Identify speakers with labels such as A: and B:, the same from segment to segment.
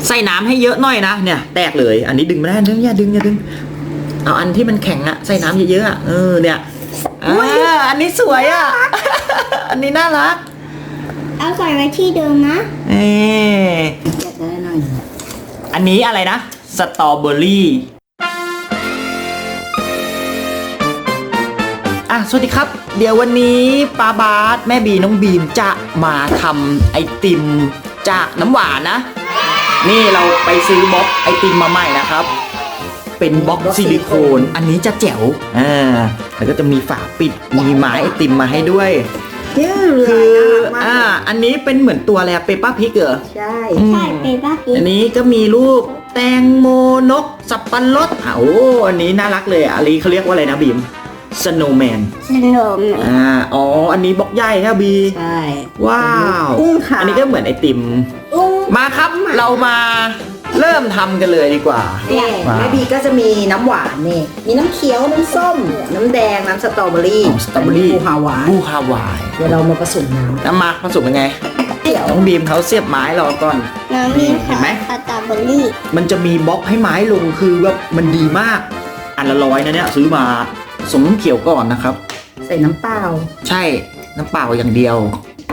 A: ใส่น้ำให้เยอะหน่อยนะเนี่ยแตกเลยอันนี้ดึงไม่ได้อย่าดึงเอาอันที่มันแข็งอะใส่น้ำเยอะๆอะเนี่ยอันนี้สวยอะ อันนี้น่ารัก
B: เอาใส่ไว้ที่เดิมนะ
C: อยากได้หน่อย
A: อันนี้อะไรนะสตรอเบอรี่สวัสดีครับเดี๋ยววันนี้ป้าบาสแม่บีน้องบีมจะมาทำไอติมจากน้ำหวานนะนี่เราไปซื้อบล็อกไอติมมาใหม่นะครับเป็นบล็อกซิลิโคนอันนี้จะแจ๋วแล้วก็จะมีฝาปิดมีไม้ไอติมมาให้ด้วยคืออันนี้เป็นเหมือนตัวอะไรเปปป้าพิกเหรอ
B: ใช่เปปป้าพิก
A: อันนี้ก็มีรูปแตงโมนกสับปะรดอันนี้น่ารักเลยอันนี้เขาเรียกว่าอะไรนะบีมสโนว์แมนอันนี้บล็อกใหญ่ครับบี
C: ใช่
A: ว้าวอันนี้ก็เหมือนไอติมมาครับเรามาเริ่มทำกันเลยดีกว่า
C: แม่บีก็จะมีน้ำหวานนี่มีน้ำเขียวน้ำส้มน้ำแดงน้ำสตรอเบอรี่บูฮาวายเดี๋ยวเรามาผสมน้ำ
A: มาผสมยังไงน้องบีมเขาเสียบไม้รอก่อน
B: เห็นไหมสตรอเบอรี่
A: มันจะมีบล็อกให้ไม้ลงคือแบบมันดีมากอันละ100นะเนี่ยซื้อมาสมน้ำเขียวก่อนนะครับ
C: ใส่น้ำเปล่า
A: ใช่น้ำเปล่าอย่างเดียว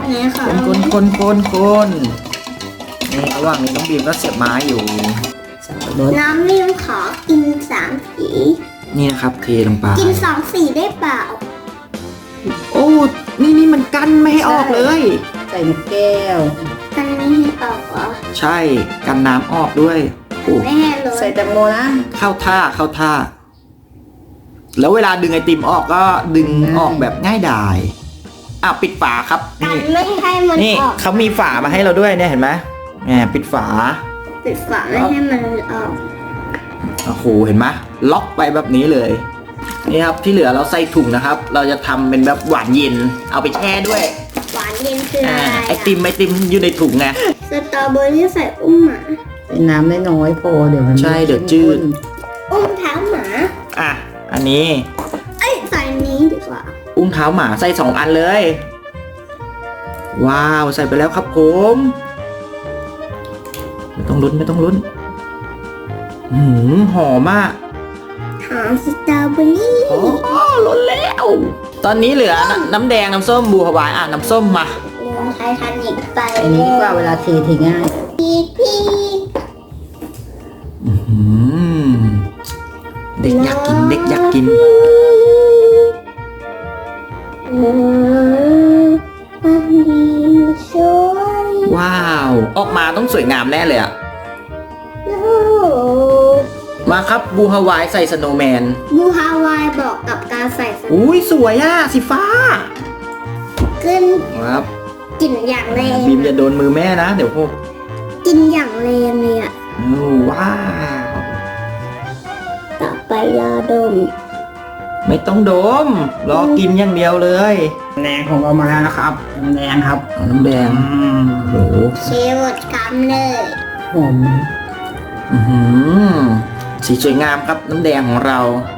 A: คนนี่ระหว่างนี้น้องบีมก็เสียบไม้อยู่
B: น้ำบีมขอกิน3 สี
A: นี่นะครับเทลงไป
B: กิน2 สีได้เปล่า
A: โอ้นี่มันกั้นไม่ให้ออกเลย
C: ใส่นกแก้ว
B: กันไม่ให้ออกเหรอ
A: ใช่กันน้ำออกด้วย
B: ไม่ให้เลย
C: ใส่แตงโมนะ
A: เข้าท่าแล้วเวลาดึงไอติมออกก็ดึงออกแบบง่ายดายปิดฝาครับ
B: นี่ไม่ให้มัน
A: นี่เขามีฝามาให้เราด้วยเนี่ยเห็นไหมปิดฝา
B: ไม่ให้มันออก
A: โอ้โหเห็นไหมล็อกไปแบบนี้เลยนี่ครับที่เหลือเราใส่ถุงนะครับเราจะทำเป็นแบบหวานเย็นเอาไปแช่ด้วย
B: หวานเย็นคืออะไร
A: ไอติมอยู่ในถุงไง
B: สตรอเบอรี่ใส่อุ้มหมา
C: ใส่น้ำน้อยพอเดี๋ยวมัน
A: ใช่เดี๋ยวจืด
B: อุ้มเท้าหมา
A: อันนี้
B: ใส่นี้ดีกว่า
A: อุ้งเท้าหมาใส่2 อันเลยว้าวใส่ไปแล้วครับผมไม่ต้องลุ้นหอมมาก
B: หอมสตรอเบอรี่
A: ล้นแล้วตอนนี้เหลือน้ำแดงน้ำส้มบูฮาวายน้ำส้มมา
B: ไททานิกไป
C: อันนี้ดีกว่าเวลาเทง่าย
B: พี่
A: เด็กอยากกินว้าวออกมาต้องสวยงามแน่เลยมาครับบูฮาวายใส่สโนว์แมน
B: บูฮาวายบอกกับการใส่
A: สวยสีฟ้า
B: ขึ้น
A: ครับ
B: กินอย่างแรง
A: บีมอย่าโดนมือแม่นะเดี๋ยวพวก
B: กินอย่างแรงเลย
A: ว้าว
B: ต่อไปรอดม
A: ไม่ต้องดมรอกินอย่างเดียวเลย
C: แดงของเรามาแล้วนะครับน้ำแดงครับ
A: น้ำแดงโอ้โห
B: เชฟหมดคำเลย
C: หอม
A: สีสวยงามครับน้ำแดงของเรา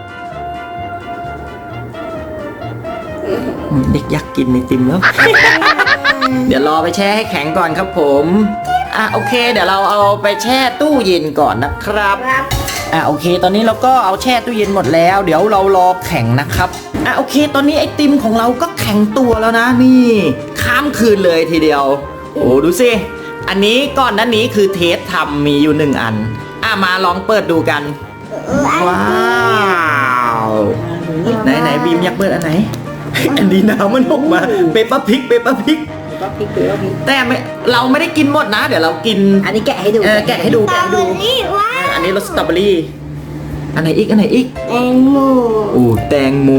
A: เด็กอยากกินไอติมแล้ว เดี๋ยวรอไปแช่ให้แข็งก่อนครับผมโอเคเดี๋ยวเราเอาไปแช่ตู้เย็นก่อนนะครับโอเคตอนนี้เราก็เอาแช่ตู้เย็นหมดแล้วเดี๋ยวเรารอแข็งนะครับโอเคตอนนี้ไอติมของเราก็แข็งตัวแล้วนะนี่ข้ามคืนเลยทีเดียวโอ้ดูสิอันนี้ก่อนหน้านี้คือเทสทำมีอยู่1 อันมาลองเปิดดูกันว้าวไหนบีมอยากเปิดอันไหน อันนี้น้ำมันออกมาเปปเปอร์พริกแต่เราไม่ได้กินหมดนะเดี๋ยวเรากิน
C: อันนี้แกะให้ดู
A: แกะให้ดูอันนี้รสสตรอเบอรี่อันไหนอีก
B: แตงโม
A: แตงโม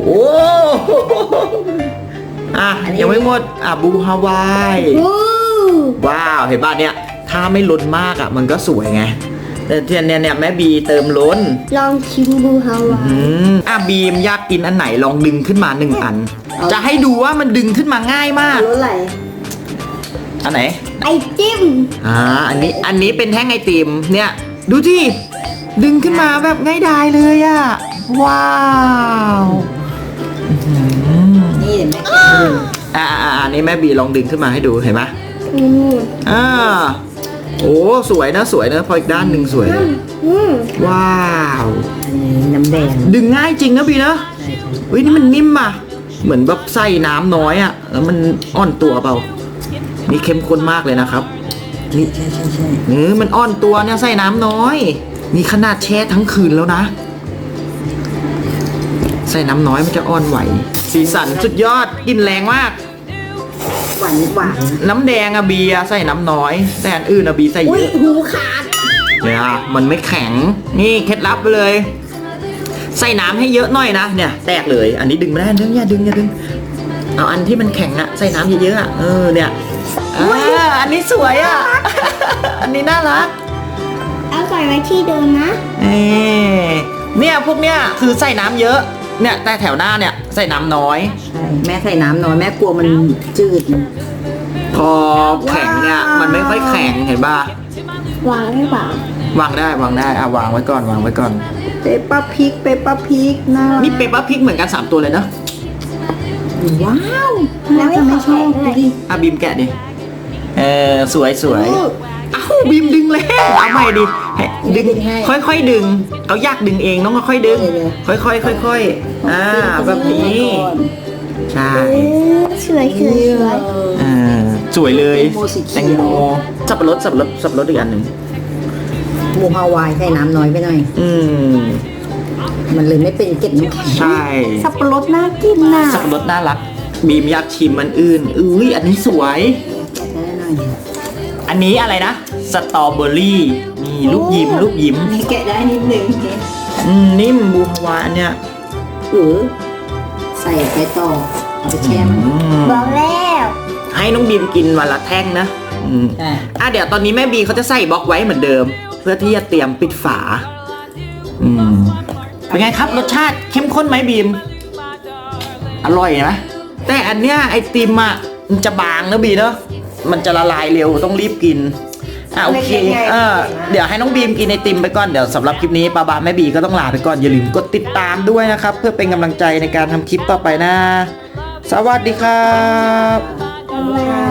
A: ยังไม่หมดบูฮาวายว้าวเห็นป่ะเนี่ยถ้าไม่ล้นมากมันก็สวยไงแต่เทียนเนี่ยแม่บีเติมล้น
B: ลองชิมบูฮาวาย
A: บีมอยากกินอันไหนลองดึงขึ้นมา1 อันจะให้ดูว่ามันดึงขึ้นมาง่ายมาก
C: รสอะไร
A: อันไหน
B: ไอติม
A: อันนี้เป็นแท่งไอติมเนี่ยดูที่ดึงขึ้นมาแบบง่ายดายเลยว้าว
C: นี่เดี๋ยวแม่แกะ
A: อันนี้แม่บีลองดึงขึ้นมาให้ดูเห็นไหมโอ้สวยนะพออีกด้านหนึ่งสวยเลย
B: อืม
A: ว้าว
C: อันนี้น้ำแดง
A: ดึงง่ายจริงนะบีนะ
C: ใช่
A: เฮ้ยนี่มันนิ่มอ่ะเหมือนแบบใส่น้ำน้อยอ่ะแล้วมันอ่อนตัวเปล่านี่เข้มข้นมากเลยนะครับ
C: ใช่ใช่
A: มันอ่อนตัวเนี่ยใส่น้ำน้อยนี่ขนาดแช่ทั้งคืนแล้วนะ ใส่น้ำน้อยมันจะอ่อนไหว สีสันสุดยอดกลิ่นแรงมาก
C: หวานหวาน
A: น้ำแดงอะบีอะใส่น้ำน้อย แต่อันอื่นอะบีใส่เย
C: อุ้ย
A: อะ
C: หูขาด
A: เนี่ยมันไม่แข็งนี่เคล็ดลับไปเลย ใส่น้ำให้เยอะหน่อยนะเนี่ยแตกเลย อันนี้ดึงไม่ได้อย่าดึงเอาอันที่มันแข็งอะใส่น้ำเยอะๆอะเนี่ยอันนี้สวยอะ อันนี้น่ารัก
B: เอาใส่ไว้ที่เดิมนะ
A: เนี่ยพวกเนี้ยคือใส่น้ำเยอะเนี่ยแต่แถวหน้าเนี่ยใส่น้ำน้อย
C: ใช่แม่ใส่น้ำน้อยแม่กลัวมันจืด
A: พอแข็งเนี่ยมันไม่ค่อยแข็งเห็นป่ะ
B: วางได้เปล่าว
A: างได้วางไว้ก่อน
C: เปปป้าพริกน่ารัก
A: นี่เปปเปอร์พริกเหมือนกัน3ตัวเลยเนาะ
C: ว้าวแล้วจะไม่ชอบดูดิ
A: บีมแกะดิสวยอ้าวบีมดึงแล้วเอาใหม่ดิให้ดึงค่อยๆดึงเขาอยากดึงเองต้องค่อยๆดึงค่อยๆแบบนี้ใช่
B: สวย
A: สวยเลยแตงโมสับปะรดอีกอันหนึ่ง
C: หมูฮาวายใส่น้ำน้อยไปหน่อย มันเลยไม่เป็นเกล็ดน้ำแข็ง
A: ใช่
C: สับปะรดน่ากินน่ะ
A: สับปะรดน่ารักบีมอยากชิมมันอื่นอันนี้สวย
C: ได้หน่อย
A: อันนี้อะไรนะสตรอเบอรี่นี่ลูกยิ้ม
C: นี่แกะได้นิดนึง
A: นิ่มบูฮาวาอันเนี้ย
C: หรือใส่ไปต่อเอาไปแช่มัน
B: บอกแล้ว
A: ให้น้องบีมกินวันละแท่งนะเดี๋ยวตอนนี้แม่บีเขาจะใส่บล็อกไว้เหมือนเดิม เพื่อที่จะเตรียมปิดฝาเป็นไงครับรสชาติเข้มข้นไหมบีมอร่อยไหมแต่อันเนี้ยไอติมอ่ะมันจะบางนะบีเนาะมันจะละลายเร็วต้องรีบกินโอเคเดี๋ยวให้น้องบีมกินไอติมไปก่อนเดี๋ยวสำหรับคลิปนี้ป้าบาแม่บีก็ต้องลาไปก่อนอย่าลืมกดติดตามด้วยนะครับ เพื่อเป็นกำลังใจในการทำคลิปต่อไปนะสวัสดีครับ
B: บ๊ายบาย